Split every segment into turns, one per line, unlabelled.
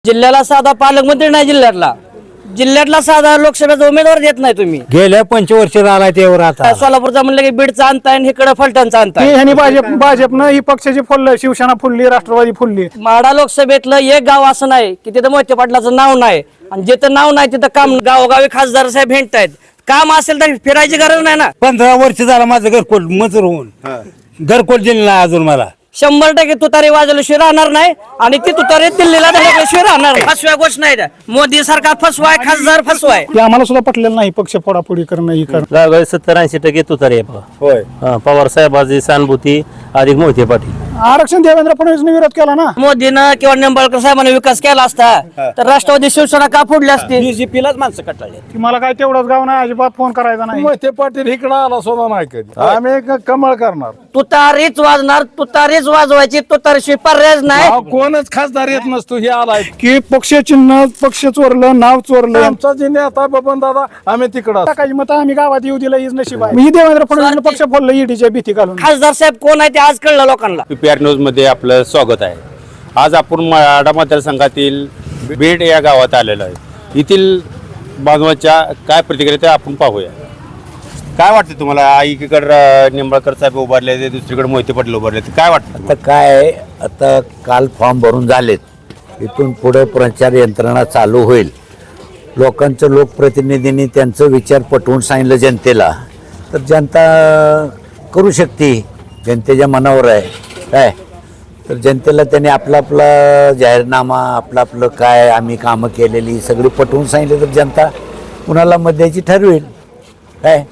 जिल्ह्याला साधा पालकमंत्री नाही जिल्ह्यातला साधा लोकसभेचा उमेदवार देत नाही तुम्ही.
गेल्या 5 वर्ष झाला त्यावर आता
सोलापूरचा म्हणलं की बीडचा आणताय आणि इकडे फलटणचा आणताय.
ह्यांनी भाजपनं ही पक्षाची फुललं, शिवसेना फुलली, राष्ट्रवादी फुलली.
माढा लोकसभेतलं एक गाव असं नाही की तिथं मोहिते पाटलाचं नाव नाही, आणि जिथं नाव नाही तिथं काम गावोगावी खासदार साहेब भेटतायत. काम असेल तर फिरायची गरज नाही ना.
15 वर्ष झाला माझं घरकोल मंजूर होऊन घरकोल दिलं नाही अजून मला.
100% तुतारी वाजवल्याशिवाय राहणार नाही, आणि ती तुतारी दिल्लीला धडकल्याशिवाय राहणार नाही. फसव्या गोष्ट नाही त्या. मोदी सरकार फसवाय, खासदार फसवाय.
ते आम्हाला सुद्धा पटलेलं नाही पक्ष फोडाफोडी करणं ही करणं.
लागय 70-80% तुतारी आहे बघा.
होय
पवार साहेबांची सहानुभूती अधिक मोहिते पाटील.
आरक्षण देवेंद्र फडणवीसने विरोध केला ना.
मोदीनं किंवा निंबाळकर साहेबांनी विकास केला असता तर राष्ट्रवादी शिवसेना का फोडली असती.
बीजेपीलाच माणसं कटाळले.
की मला काय तेवढंच गाव नाही, अजिबात फोन करायचा नाही.
मोहिते पाटील इकडं आला सुद्धा नाही कधी. आम्ही कमळ करणार.
तुतारीच वाजणार, तुतारीच वाजवायची, तुतारीशिवाय पर्यायच नाही.
कोणच खासदार येत नसतो हे आलाय.
की पक्ष चिन्ह, पक्ष चोरलं, नाव चोरलं.
आमचा जे नेता बबन दादा आम्ही तिकडं
टाकायची मत आम्ही गावात येऊ दिलं हीच नशीब आहे. मी देवेंद्र फडणवीस पक्ष फोडलं ईडीच्या भीती घालून.
खासदार साहेब कोण आहे ते आज कळलं लोकांना.
पीपीआर न्यूज मध्ये आपलं स्वागत आहे. आज आपण माढा मतदारसंघातील बीड या गावात आलेलो आहे. येथील बांधवांच्या काय प्रतिक्रिया ते आपण पाहूया. काय वाटतं तुम्हाला? एकीकडे निंबाळकर साहेब उभारले, दुसरीकडे मोहिते पाटील उभारले, काय वाटतं?
आता काय आता काल फॉर्म भरून झालेत, इथून पुढे प्रचार यंत्रणा चालू होईल. लोकांचं लोकप्रतिनिधींनी त्यांचं विचार पटवून सांगितलं जनतेला तर जनता करू शकते. जनतेच्या मनावर आहे काय. तर जनतेला त्यांनी आपला आपला जाहीरनामा आपलं काय आम्ही कामं केलेली सगळी पटवून सांगितलं तर जनता कुणाला मत द्यायची ठरवेल काय.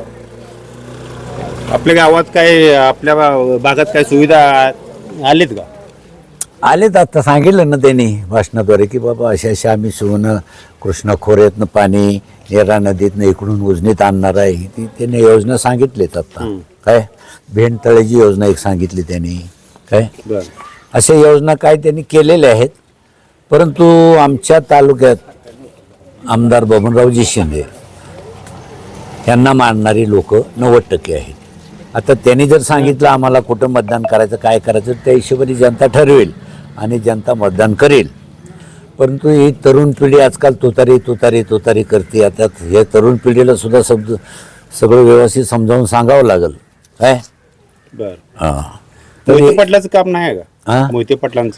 आपल्या गावात काय, आपल्या भागात काय सुविधा आलीत का?
आलेत आता सांगितलं ना त्यांनी भाषणाद्वारे की बाबा अशा अशा आम्ही सुवर्ण कृष्णा खोऱ्यातनं पाणी नेरा नदीतनं इकडून उजनीत आणणार आहे. ती त्यांनी योजना सांगितलीत आता काय. भेंडतळ्याची योजना एक सांगितली त्यांनी काय. अशा योजना काय त्यांनी केलेल्या आहेत. परंतु आमच्या तालुक्यात आमदार बबनरावजी शिंदे यांना मानणारी लोक 90% आहेत. आता त्यांनी जर सांगितलं आम्हाला कुठं मतदान करायचं काय करायचं त्या हिशोबाने जनता ठरवेल आणि जनता मतदान करेल. परंतु ही तरुण पिढी आजकाल तुतारी तुतारी तुतारी करते. आता हे तरुण पिढीला सुद्धा सगळं व्यवस्थित समजावून सांगावं लागेल काय. हां
मोहिते पाटलाचं काम नाही आहे का?
हां
मोहिते पाटलांचं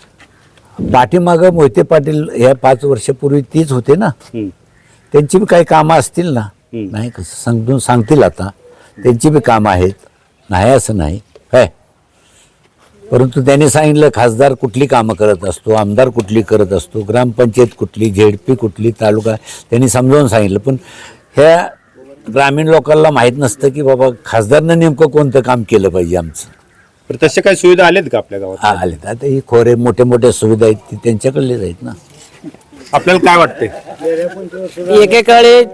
पाठीमागं मोहिते पाटील ह्या 5 वर्षापूर्वी तीच होते ना. त्यांची बी काही कामं असतील ना. नाही कसं समजून सांगतील आता. त्यांची बी कामं आहेत, नाही असं नाही काय. परंतु त्यांनी सांगितलं खासदार कुठली कामं करत असतो, आमदार कुठली करत असतो, ग्रामपंचायत कुठली, झेडपी कुठली, तालुका त्यांनी समजावून सांगितलं. पण ह्या ग्रामीण लोकांना माहीत नसतं की बाबा खासदारनं नेमकं कोणतं काम केलं पाहिजे आमचं.
तर तसे काही सुविधा आल्यात का आपल्या गावात?
आलेत आता ही खोरे मोठ्या मोठ्या सुविधा आहेत ती त्यांच्याकडलेच आहेत ना.
आपल्याला काय वाटतंय?
एकेकाळी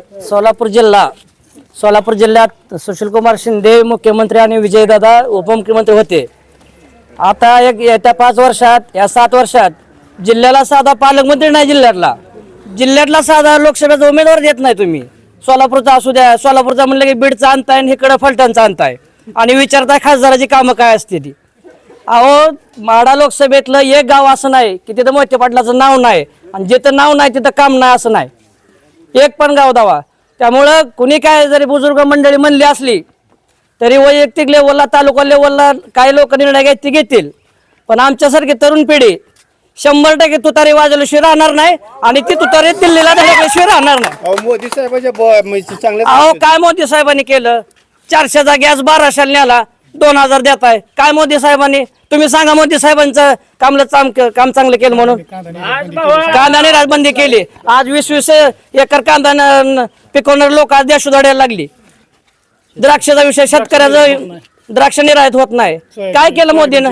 सोलापूर जिल्ह्यात सुशीलकुमार शिंदे मुख्यमंत्री आणि विजयदादा उपमुख्यमंत्री होते. आता येत्या 5 वर्षात, या 7 वर्षात जिल्ह्याला साधा पालकमंत्री नाही जिल्ह्यातला साधा लोकसभेचा उमेदवार देत नाही तुम्ही. सोलापूरचा असू द्या, सोलापूरचा म्हणलं की बीडचा आणताय आणि इकडे फलटणचा आणताय, आणि विचारताय खासदाराची कामं काय असते ती. अहो माढा लोकसभेतलं एक गाव असं नाही की तिथं मोहिते पाटलाचं नाव नाही, आणि जिथं नाव नाही तिथं काम नाही असं नाही. एक पण गाव दावा. त्यामुळं कुणी काय जरी बुजुर्ग मंडळी म्हणली असली तरी वैयक्तिक लेवलला, तालुका लेवलला काही लोक निर्णय घ्यायचे ते घेतील. पण आमच्यासारखी तरुण पिढी 100% तुतारी वाजवल्याशिवाय राहणार नाही, आणि ती तुतारी दिल्लीला धडकल्याशिवाय राहणार नाही.
मोदी साहेबांच्या चांगले
अहो काय मोदी साहेबांनी केलं? 400चा गॅस 1200 न्याला, 2000 देताय. काय मोदी साहेबांनी? तुम्ही सांगा मोदी साहेबांचं काम चांगलं केलं म्हणून. कांदा राजबंदी केली. आज 20-20 एकर कांदा पिकवणारे लोक आज देशोधड्याला लागली. द्राक्षाचा विषय, शेतकऱ्याचं द्राक्ष निर्यात होत नाही. काय केलं मोदीनं?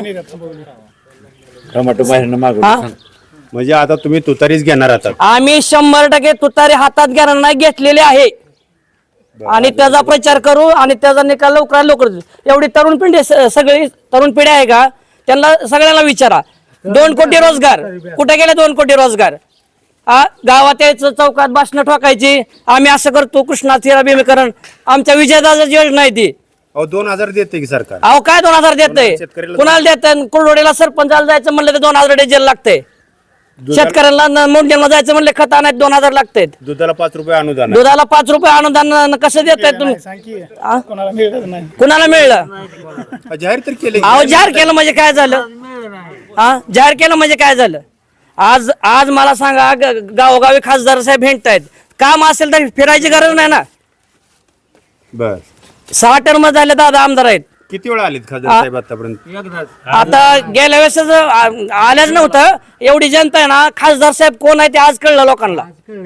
म्हणजे आता तुम्ही तुतारीच घेणार आहात?
आम्ही 100% तुतारी हातात घेणार नाही, घेतलेले आहे. आणि त्याचा प्रचार करू आणि त्याचा निकाल लवकर एवढी तरुण पिढी, सगळी तरुण पिढी आहे का, त्यांना सगळ्यांना विचारा. 2 कोटी रोजगार कुठे गेले? 2 कोटी रोजगार. गावात यायचं, चौकात भाषणं ठोकायची, आम्ही असं करतो, कृष्णा भीमीकरण. आमच्या विजयदादाची योजना आहे ती.
2000 देते की सरकार?
अहो काय 2000 देतंय? कुणाला देत? कुरडोडीला सरपंचाला जायचं म्हणलं तर 2000 डिझेल लागतंय. शेतकऱ्यांना मोंढ्याला जायचं म्हणले खत आणायला 2000 लागतायत.
दुधाला 5 रुपये अनुदान आहे.
दुधाला 5 रुपये अनुदान कसं देताय तुम्ही?
सांग की कोणाला मिळत नाही.
कुणाला मिळलं?
जाहीर तर केले.
अहो जाहीर केलं म्हणजे काय झालं? हा जाहीर केलं म्हणजे काय झालं? आज आज मला सांगा गावोगावी खासदार साहेब भेटतायत. काम असेल तर फिरायची गरज नाही ना.
बर
6 टर्म झाले दादा आमदार आहेत.
किती वेळा आलेत खासदार साहेब आतापर्यंत?
आता गेल्या वेळेस आल्याच नव्हतं. एवढी जनता आहे ना, खासदार साहेब कोण आहे ते आज कळलं लोकांना.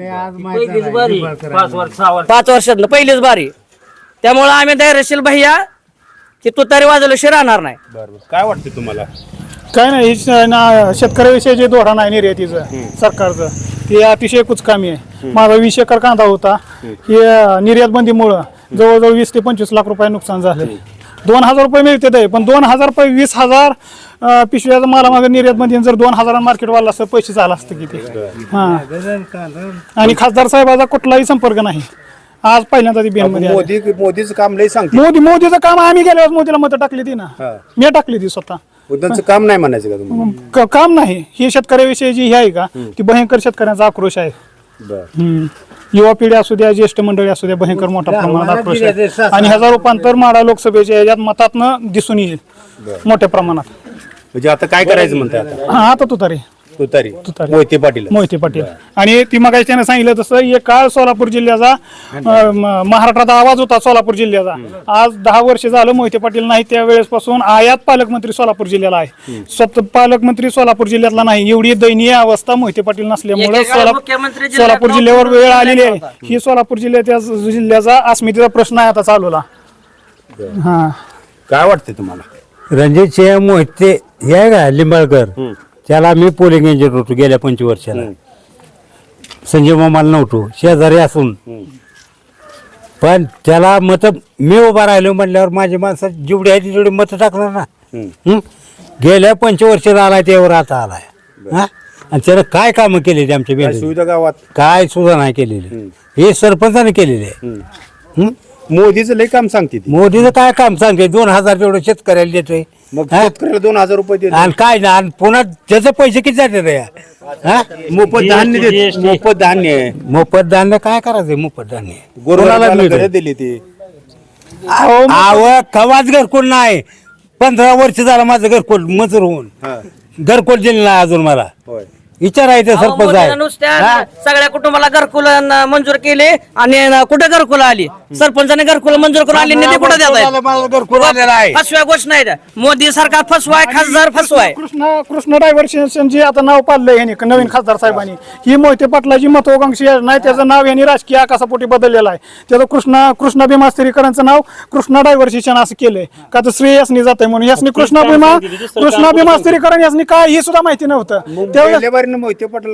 5 वर्षातलं पहिलीच बारी. त्यामुळे आम्ही धैर्यशील भैया की तुतारी वाजवल्याशिवाय राहणार नाही.
बरोबर. काय वाटतं तुम्हाला?
काय नाही शेतकऱ्याविषयी जे धोरण आहे निर्यातीचं सरकारचं ते अतिशय कुचकामी आहे. माझा 20 एकर कांदा होता. हे निर्यात बंदीमुळं जवळजवळ 20 ते 25 लाख रुपये नुकसान झाले. 2000 रुपये मिळते ते, पण 2000 रुपये 20,000 पिशव्याचा मालामागे निर्यात बंदी जर 2000 मार्केट वाढला असतं पैसे झाला असतं किती. हा आणि खासदार साहेबाचा कुठलाही संपर्क नाही. आज पहिल्यांदा ती बिन मध्ये
मोदीचं काम लय सांगते.
मोदीचं काम आम्ही गेल्यावर मोदीला मतं टाकली ती ना. मी टाकली ती स्वतः.
त्यांचं काम नाही म्हणायचं का तुम्ही?
काम नाही. ही शेतकऱ्याविषयी जी ही आहे का ती भयंकर शेतकऱ्यांचा आक्रोश आहे. युवा पिढी असू द्या, ज्येष्ठ मंडळी असू द्या, भयंकर मोठ्या प्रमाणात आक्रोश आहे. आणि ह्याचा रूपांतर माडा लोकसभेच्या याच्यात मतातनं दिसून येईल मोठ्या प्रमाणात.
म्हणजे आता काय करायचं म्हणताय आता?
आता तुतारी
तुतारी
तुतारी.
मोहिते पाटील.
मोहिते पाटील. आणि ती मग त्याने सांगितलं तसं एक काळ सोलापूर जिल्ह्याचा महाराष्ट्राचा आवाज होता सोलापूर जिल्ह्याचा. आज 10 वर्ष झालं मोहिते पाटील नाही. त्यावेळेसपासून आयात पालकमंत्री सोलापूर जिल्ह्याला आहे. स्वतः पालकमंत्री सोलापूर जिल्ह्यातला नाही. एवढी दयनीय अवस्था मोहिते पाटील नसल्यामुळे सोलापूर जिल्ह्यावर वेळ आलेली आहे. ही सोलापूर जिल्ह्याचा अस्मितेचा प्रश्न आहे आता चालूला. हा
काय वाटतंय तुम्हाला?
रणजित सिंह मोहिते हे आहे का लिंबाळकर, त्याला मी पोलिंग एजंट होतो गेल्या 25 वर्षाला. संजय मामाला नव्हतो, शेजारी असून. पण त्याला मत मी उभा राहिलो म्हटल्यावर माझी माणसं जेवढी आहे तेवढी मतं टाकणार ना. गेल्या 25 वर्षाला आलाय त्यावर आता आलाय. हा आणि त्यानं काय कामं केलेली आमच्या
काय सुविधा गावात?
काय सुद्धा नाही केलेली. हे सरपंचाने केलेले आहे.
मोदीचं लय काम सांगते ती.
मोदीचं काय काम सांगते? 2000 तेवढं शेतकऱ्याला देतोय.
मग शेतकऱ्याला 2000 रुपये देतो.
आणि काय ना, आणि पुन्हा त्याचे पैसे किती जाते रे?
मोफत धान्य देते. मोफत धान्य आहे.
मोफत धान्य काय करायचं? मोफत धान्य
गोरगरिबाला घरं दिली ती.
कवाच घरकुल नाही. 15 वर्ष झालं माझं घरकुल मंजूर होऊन. घरकुल दिलं नाही अजून मला.
होय.
विचारायचं सरपंच आहे.
नुसत्या सगळ्या कुटुंबाला घरकुल मंजूर केले आणि कुठे घरकुल आली? सरपंचाने घरकुल मंजूर करून आली, निधी कुठे देत
मला घरकुल आलेला आहे.
फसव्या गोष्ट नाही. मोदी सरकार फसवाय, खासदार फसवाय.
कृष्ण डायव्हर्शन जे आता नाव पाडलंय ह्याने नवीन खासदार साहेबांनी, ही मोहिते पाटलाची महत्वाकांक्षी नाही. त्याचं नाव यांनी राजकीय आकाशापोटी बदललेलं आहे. त्याचं कृष्णा भीमा स्थिरीकरांचं नाव कृष्णा डायव्हर्शन असं केलंय का तर श्रेय यासनी जातंय म्हणून. यासनी कृष्णा भीमा स्थिरीकरण यासनी काय हे सुद्धा माहिती नव्हतं. त्यावेळेस
मोहिते पाटील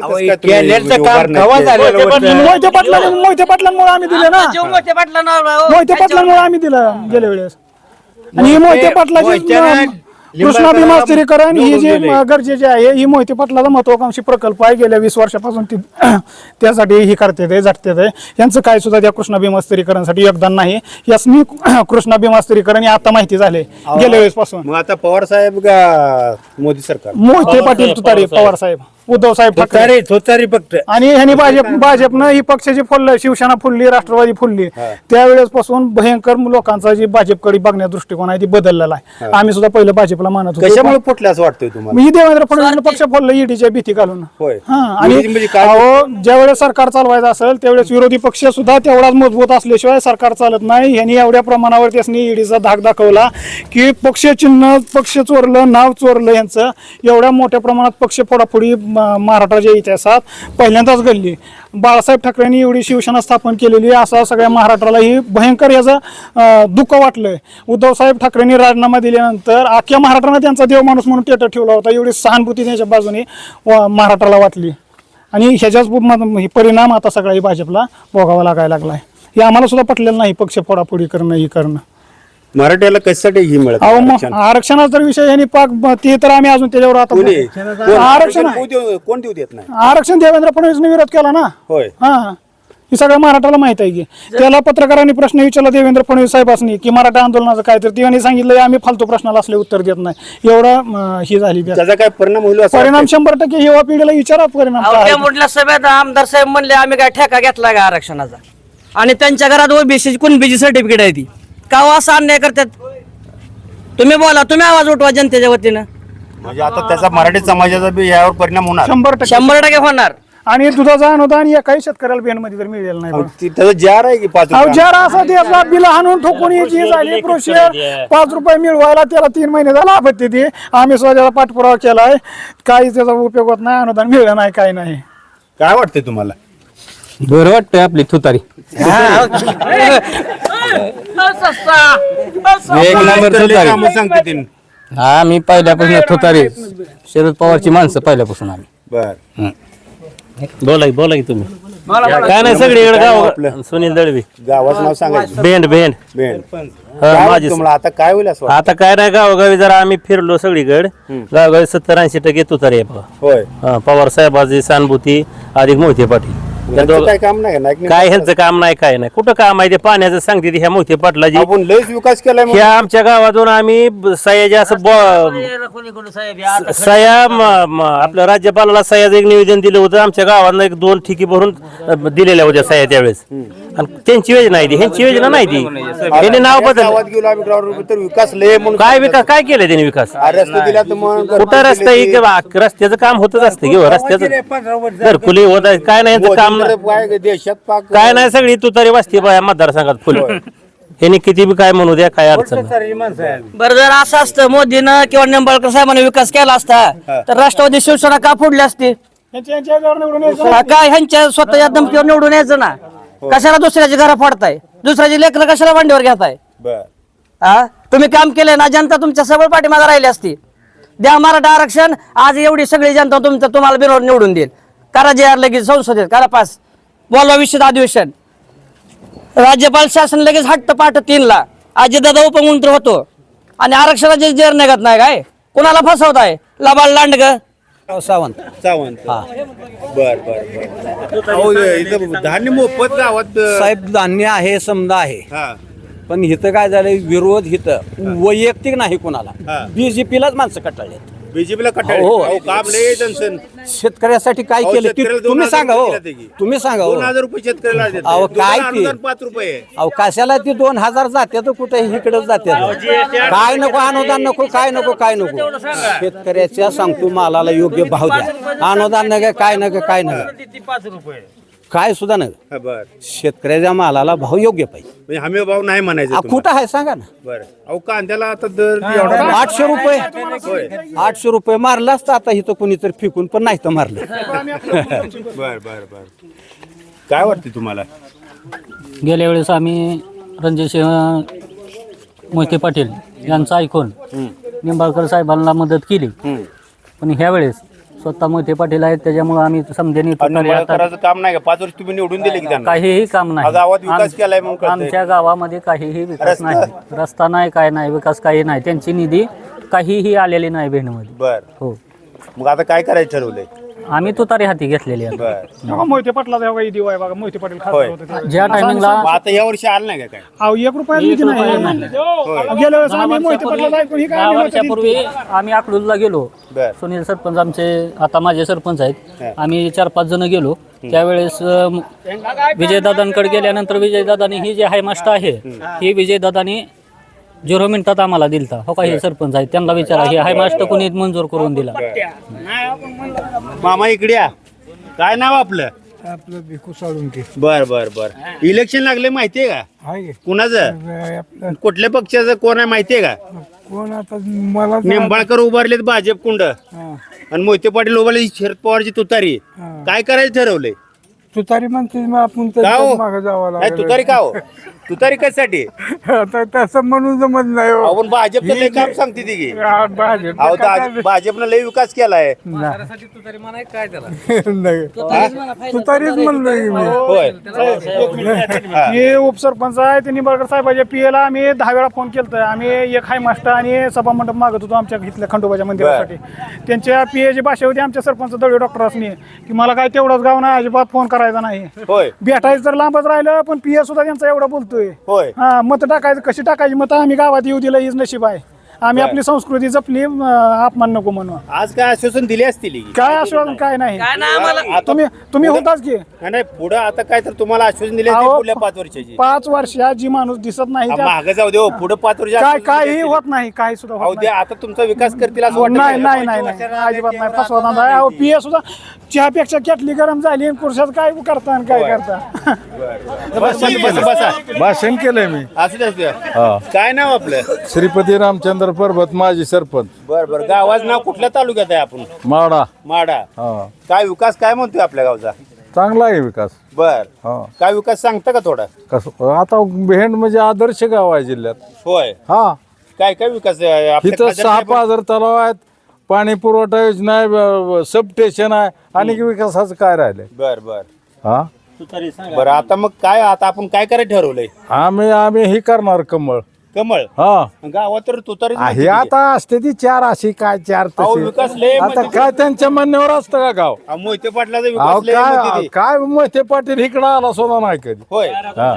मोहिते पाटलांमुळे आम्ही दिले ना. मोहिते पाटलांमुळे आम्ही दिलं गेल्या वेळेस. आणि ही मोहिते पाटलाची कृष्णा भीमा स्थिरीकरण ही जी गरजेची आहे, ही मोहिते पाटलाचा महत्वाकांक्षी प्रकल्प आहे. गेल्या 20 वर्षापासून त्यासाठी ही करते झटते. यांचं काय सुद्धा त्या कृष्णा भीमा स्थिरीकरणासाठी योगदान नाही. यासनी कृष्णा भीमा स्थिरीकरण हे आता माहिती झाले गेल्या वेळेस पासून.
मग आता पवार साहेब का मोदी सरकार?
मोहिते पाटील तुतारी, पवार साहेब, उद्धव साहेब ठाकरे
फक्त.
आणि ह्यांनी भाजपनं ही पक्षाची फुललं, शिवसेना फुलली, राष्ट्रवादी फुलली. त्यावेळेस पासून भयंकर लोकांचा जी भाजपकडे बघण्याचा दृष्टिकोन आहे ती बदललेला आहे. आम्ही सुद्धा पहिलं भाजपला मानत होतो.
कशामुळे फुटले असं वाटतंय तुम्हाला?
मी देवेंद्र फडणवीस पक्ष फोडलं ईडीच्या भीती घालून.
होय.
आणि ज्यावेळेस सरकार चालवायचं असेल त्यावेळेस विरोधी पक्ष सुद्धा तेवढाच मजबूत असल्याशिवाय सरकार चालत नाही. ह्यांनी एवढ्या प्रमाणावर त्यांनी ईडीचा धाक दाखवला की पक्ष चिन्ह, पक्ष चोरलं, नाव चोरलं यांचं. एवढ्या मोठ्या प्रमाणात पक्ष फोडाफोडी महाराष्ट्राच्या इतिहासात पहिल्यांदाच घडली. बाळासाहेब ठाकरेंनी एवढी शिवसेना स्थापन केलेली असं सगळ्या महाराष्ट्राला ही भयंकर याचं दुःख वाटलंय. उद्धव साहेब ठाकरेंनी राजीनामा दिल्यानंतर अख्ख्या महाराष्ट्रानं त्यांचा देव माणूस म्हणून टेटर ठेवला होता. एवढी सहानुभूती त्यांच्या बाजूने महाराष्ट्राला वाटली. आणि ह्याच्याच परिणाम आता सगळ्या भाजपला भोगावा लागायला लागलाय. हे आम्हाला सुद्धा पटलेलं नाही पक्ष फोडाफोडी करणं, ही करणं.
मराठ्याला कशासाठी ही मिळत?
आरक्षणाचा तर विषय यांनी पाक ते तर आम्ही अजून त्याच्यावर आता
आरक्षण कोण देऊ देत नाही?
आरक्षण देवेंद्र फडणवीसने विरोध केला ना.
होय.
हा हे सगळं मराठाला माहित आहे की त्याला पत्रकारांनी प्रश्न विचारला देवेंद्र फडणवीस साहेबांनी की मराठा आंदोलनाचं काय, तर त्यांनी सांगितलं आम्ही फालतू प्रश्नाला असले उत्तर देत नाही. एवढा ही झाली
त्याचा काय परिणाम होईल असं
परिणाम 100% युवा पिढीला विचारा परिणाम काय आहे.
मोठल्या सभेत आमदार साहेब म्हणले आम्ही काय ठेका घेतला का आरक्षणाचा, आणि त्यांच्या घरात ओबीसी कुणबीची सर्टिफिकेट आहे ती का हो असं अन्याय करतात. तुम्ही बोला, तुम्ही आवाज उठवा जनतेच्या वतीनं.
म्हणजे आता त्याचा मराठी समाजाचा बी यावर परिणाम होणार
100%.
100% होणार.
आणि दुधाचं अनुदान एकाही शेतकऱ्याला बिनमध्ये तर मिळेल नाही.
त्याचा जार आहे की 5 रुपये?
जरा असं त्याचा बिल हाणून ठोकून जी झाली प्रोसिजर 5 रुपये मिळवायला त्याला 3 महिने झाला आपत्ती ती आम्ही स्वतःचा पाठपुरावा केलाय, काही त्याचा उपयोग होत नाही, अनुदान मिळलं नाही, काही नाही.
काय वाटतंय तुम्हाला?
बरं वाटतंय आपली तुतारी. एक नंबर तुतारी.
कामं सांगते तीन.
हा मी पहिल्यापासून तुतारी, शरद पवारची माणसं पहिल्यापासून आम्ही.
बर
बोला की तुम्ही. काय नाही सगळीकडे गाव. सुनील दळवी,
गावाचं नाव सांगायचं.
भेंड
बेन.
हा,
काय
माझी
तुम्हाला आता काय होईल असं वाटतं?
आता काय नाही, गावोगावी जरा आम्ही फिरलो सगळीकडे. गावोगावी 70-80% तुतारी आहे बघा.
होय.
पवार साहेबाची सहानुभूती अधिक मोहिते पाटील. या
यांचं
दोघं-
काय काम नाही ना? एक
काय ह्यांचं काम नाही, काय नाही. कुठं काम आहे ते पाण्याचं सांगते ती ह्या मोहिते पाटलाजी.
आपण लयच विकास केलाय म्हणून.
ह्या आमच्या गावातून आम्ही सयाजी असं आपल्या राज्यपालाला सह्याचं एक निवेदन दिलं होतं. आमच्या गावानं 1-2 ठिकी भरून दिलेल्या होत्या सह्या त्यावेळेस. आणि त्यांची योजना आहे ती, ह्यांची योजना नाही ती. त्यांनी नाव
गावात
बदल.
गेलो आम्ही ग्राउंड तर विकास लय म्हणून
काय विकास काय केलं त्यांनी विकास?
रस्ते दिला तर मग
कुठं रस्ता ही किंवा रस्त्याचं काम होतच असतं किंवा रस्त्याचं घरकुली होत आहे. काय नाही यांचं काम नाही.
काय देशात पाक
काय नाही, सगळी तुतारी वाजते बा या मतदारसंघात फुल. ह्यांनी किती बी काय म्हणू द्या, काय अडचण नाही.
बरं जर असं असतं मोदीनं किंवा निंबाळकर साहेबांनी विकास केला असता तर राष्ट्रवादी शिवसेना का फोडली असती?
यांच्या याच्यावर निवडून यायचं.
काय ह्यांच्या स्वतःच्या धमकीवर निवडून यायचं ना. कशाला दुसऱ्याची घरं फोडताय, दुसऱ्याची लेकरं कशाला मांडीवर घेताय?
बर
हा, तुम्ही काम केलंय ना, जनता तुमच्या सबळ पाठीमागे राहिली असती. द्या मराठा आरक्षण, आज एवढी सगळी जनता तुम्हाला बिनवर निवडून देईल. करा जे आर लगेच संसदेत, करा पास, बोलवा विषय अधिवेशन. राज्यपाल शासन लगेच हट्ट पाठ 3ला अजितदादा उपमुख्यमंत्री होतो आणि आरक्षणाचे जेर निघत नाही. काय कोणाला फसवताय? लबाड लांडग.
सावंत.
बर बर बर अहो, इथं धान्य मोफत गावात
साहेब धान्य आहे, समजा आहे,
हा
पण इथं काय झालंय, विरोध इथं वैयक्तिक नाही
हा.
कोणाला, बीजेपीलाच माणसं कटाळले.
बीजेपीला कटाळ.
हो.
अहो, काम लय जनसन.
शेतकऱ्यासाठी काय
अहो,
केलं
शेतकऱ्याला
ते तुम्ही
2,000
सांगा हो,
रुपये दिले की.
तुम्ही सांगा हो.
2,000 रुपये शेतकऱ्याला देतात.
अहो, काय
दुधाला
ते?
अनुदान 5 रुपये आहे.
अहो कशाला ती 2,000 जाते तर कुठे इकडे जाते, काय नको अनुदान नको, काय नको, काय नको. शेतकऱ्याच्या सांगतो मालाला योग्य भाव द्या, अनुदान नका, काय नका, काय नका, काय सुद्धा नका.
हा, बर
शेतकऱ्याच्या मालाला भाव योग्य पाहिजे.
म्हणजे हमी भाव नाही म्हणायचं तुम्हाला.
कुठं आहे सांगा ना.
बरं अहो, कांद्याला आता दर एवढा
800 रुपये,
होय.
800 रुपये मारलं असतं आता इथं कोणीतरी फिकून, पण नाही तर मारलं.
बर बर बर काय वाटते तुम्हाला?
गेल्या वेळेस आम्ही रणजितसिंह मोहिते पाटील यांचं ऐकून निंबाळकर साहेबांना मदत केली, पण ह्या वेळेस स्वतः मोहिते पाटील आहेत त्याच्यामुळे आम्ही समजेने
करायचं काम नाही का? 5 वर्ष तुम्ही निवडून दिले की त्यांना?
काहीही काम नाही.
गावात विकास केलाय म्हणून कळतंय.
आमच्या गावामध्ये काहीही विकास
रस्ता?
नाही, रस्ता नाही, काय नाही, विकास काही नाही. त्यांची निधी काहीही आलेली नाही भेंडमध्ये.
बर
हो,
मग आता काय करायचं ठरवलंय?
आम्ही तुतारी हाती घेतलेली आहे.
बर
तेव्हा मोहिते पाटला तेव्हा काही दिवाय बघा, मोहिते पाटील खासदार
होय.
होते तेव्हा.
ज्या टायमिंगला
मग आता या वर्षी आलं नाही का काय?
अहो 1 रुपया निधी नाही. गेल्या वेळेस आम्ही मोहिते पाटला ऐकून ही काय
10
आम्ही
वर्षापूर्वी आम्ही अकलूजला गेलो.
बर
सुनील सरपंच आमचे आता माझे सरपंच आहेत,
हा.
आम्ही 4-5 जण गेलो. त्यावेळेस विजयदादांकडे गेल्यानंतर विजयदादानी ही जी हायमास्ट आहे ही विजयदादानी 0 मिनिटात आम्हाला दिलता. हो का, हे सरपंच आहेत, त्यांना विचारा ही हायमास्ट कोणी मंजूर करून दिला.
मामा इकडे या. काय नाव आपलं?
आपलं भिकू साळून की
बर बर बर इलेक्शन लागले माहितीये का?
आहे
कुणाचं? कुठल्या पक्षाचं कोण आहे माहितीये का?
कोण आता मला
निंबाळकर उभारलेत भाजप कुंड आणि मोहिते पाटील उभारले शरद पवारची तुतारी. काय करायचं ठरवलंय?
तुतारी म्हणते आपण
का हो?
मागे जावं
काय तुतारी का हो? तुतारी कशासाठी
तसं म्हणून जमत नाही हो.
आपण भाजपचं लय काम सांगते ती की
भाजप
अहो भाजपनं लय विकास केलाय
तुतारीच म्हणलोय की मी.
होय
हे उपसरपंच आहे ते निंबाळकर साहेबाच्या पीएला आम्ही 10 वेळा फोन केलता. आम्ही एक हाय मास्टर आणि सभा मंडप मागत होतो आमच्या इथल्या खंडोबाच्या मंदिरासाठी. त्यांच्या पीएची भाषा होती आमच्या सरपंच दळवे डॉक्टरांनी की मला काय तेवढंच गाव नाही, अजिबात फोन करायचा नाही.
होय
भेटायचं तर लांबच राहिलं पण पीए सुद्धा त्यांचा एवढा बोलतोय.
होय
हा मत टाकायचं कशी टाकायची मत आम्ही गावात येऊ दिलं हीच नशीब आहे. आम्ही आपली संस्कृती जपली अपमान नको म्हणून.
आज काय आश्वासन दिले असतील की?
काय आश्वासन काय नाही.
आता
तुम्ही होताच की
नाही पुढे आता काय तर तुम्हाला आश्वासन दिले
अहो,
पुढल्या 5 वर्षाची
5 वर्षात जी माणूस दिसत नाही त्या-
मागे जाऊ दे पुढे 5 वर्ष
काय काही होत नाही, काही सुद्धा
अहो
होत
ते
नाही.
आता तुमचा विकास करतील असं वाटत
नाही नाही नाही नाही अजिबात नाही फसवत नाही. पीए सुद्धा चहापेक्षा केटली गरम झाली आणि पुरुषात काय करता आणि काय करता.
बसा
भाषण केलंय मी.
असू द्या काय नाव आपलं?
श्रीपती रामचंद्र पर्वत माजी सरपंच
बर बर गावाचं नाव कुठल्या तालुक्यात आहे आपण?
माडा.
माडा.
हा
काय विकास काय म्हणतोय आपल्या गावचा?
चांगला आहे विकास.
बर
हा
काय विकास सांगता का थोडा?
कसं आता भेंड म्हणजे आदर्श गाव आहे जिल्ह्यात.
होय
हा
काय काय विकास आहे? आपल्या
इथं
खासदार
6
साहेब-
पाझर तलाव आहेत, पाणी पुरवठा योजना आहे, सब स्टेशन आहे आणि विकासाचं काय राहिलंय.
बर बर
हा
बर आता मग काय आता आपण काय करायचं ठरवलंय?
आम्ही ही करणार कमळ.
कमळ
हा
गावात तर तुतारी
हे आता असते ती 4 अशी काय 4
अहो, विकास लय
आता काय त्यांच्या म्हणण्यावर असतं का गाव.
मोहिते पाटलाचा
अहो
विकास लय म्हणते
काय
ती.
काय मोहिते पाटील इकडं आला सोडा नाही कधी.
होय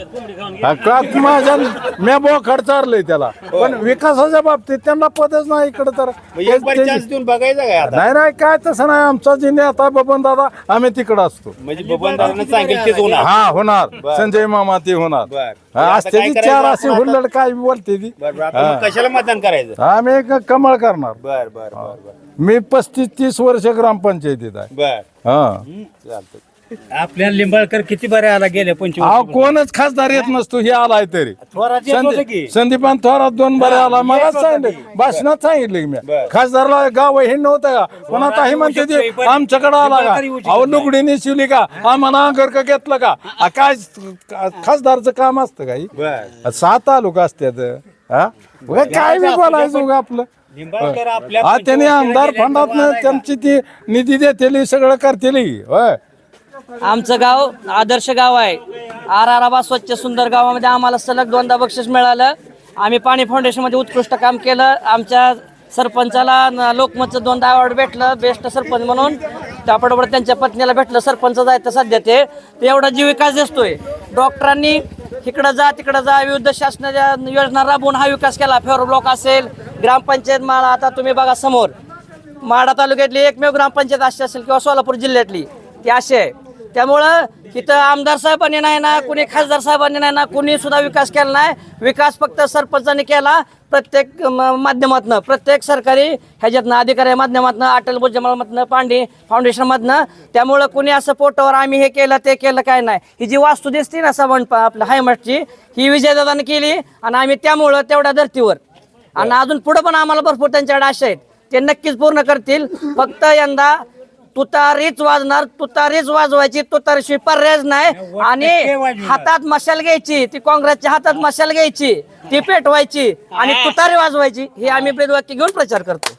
हा का माझ्या मी बोखड चारलंय त्याला पण विकासाच्या बाबतीत त्यांना पदच नाही इकडं तर
मग एक बार चान्स देऊन बघायचा काय आता?
नाही नाही काय तसं नाही आमचा जे नेता बबन दादा आम्ही तिकडं असतो.
म्हणजे बबनदारानं सांगेल तेच होणार.
हा होणार संजय मामा ते होणार.
बर
हा,
आता
असते
काय
ती
करायचं
4 अशी
आपण?
हुल्लड काय बोलते ती.
बर बर आता मग कशाला मतदान करायचं?
आम्ही एक कमळ करणार.
बर बर बर बर
मी 35-30 वर्ष ग्रामपंचायतीत आहे.
बर
हा
चालतं.
आपल्या लिंबाळकर किती बरे आला गेल्या 25
अहो कोणच खासदार येत नसतो हे आलाय तरी. संदीपान थोरात 2 बरे आला मला सांगितलं भाषणात सांगितलं की मी खासदारला गाव हे नव्हतं का पण आता हे म्हणते ते आमच्याकडे आला का अहो लुगडी नेसवली का आम्हाला अंगरका घेतलं का काय खासदारचं काम असतं काही.
बर
7 तालुका असतात. हा उगा काय बी बोलायचं उगा आपलं.
निंबाळकर आपल्या
हा त्याने आमदार फंडात त्यांची ती निधी देतेली सगळं करतेली. होय
आमचं गाव आदर्श गाव आहे. आराराबा स्वच्छ सुंदर गावामध्ये आम्हाला सलग 2दा बक्षीस मिळालं. आम्ही पाणी फाउंडेशनमध्ये उत्कृष्ट काम केलं. आमच्या सरपंचाला लोकमतचं 2दा अवॉर्ड भेटलं बेस्ट सरपंच म्हणून. त्याबरोबर त्यांच्या पत्नीला भेटलं सरपंच जायचं सध्या ते एवढा जीव विकास दिसतोय. डॉक्टरांनी इकडं जा तिकडं जा विविध शासनाच्या योजना राबवून हा विकास केला. फेवर ब्लॉक असेल ग्रामपंचायत माळा आता तुम्ही बघा समोर माढा तालुक्यातली एकमेव ग्रामपंचायत अशी असेल किंवा सोलापूर जिल्ह्यातली ती अशी आहे. त्यामुळं इथं आमदार साहेबांनी नाही ना कुणी खासदार साहेबांनी नाही ना कुणी सुद्धा विकास केला नाही. विकास फक्त सरपंचांनी केला. प्रत्येक माध्यमातनं प्रत्येक सरकारी ह्याच्यातनं अधिकारी माध्यमातनं अटल भुजबळमधनं पांडे फाउंडेशनमधनं. त्यामुळं कुणी असं पोटावर आम्ही हे केलं ते केलं काय नाही. ही जी वास्तू दिसते ना सवण आपल्या हायमठची ही विजयदादाने केली आणि आम्ही त्यामुळं तेवढ्या धर्तीवर आणि अजून पुढं पण आम्हाला भरपूर त्यांच्याकडे आशा आहेत ते नक्कीच पूर्ण करतील. फक्त यंदा तुतारीच वाजणार. तुतारीच वाजवायची तुतारीशिवाय पर्यायच नाही. आणि हातात मशाल घ्यायची ती काँग्रेसच्या हातात मशाल घ्यायची ती पेटवायची आणि तुतारी वाजवायची हे आम्ही ब्रीदवाक्य घेऊन प्रचार करतो.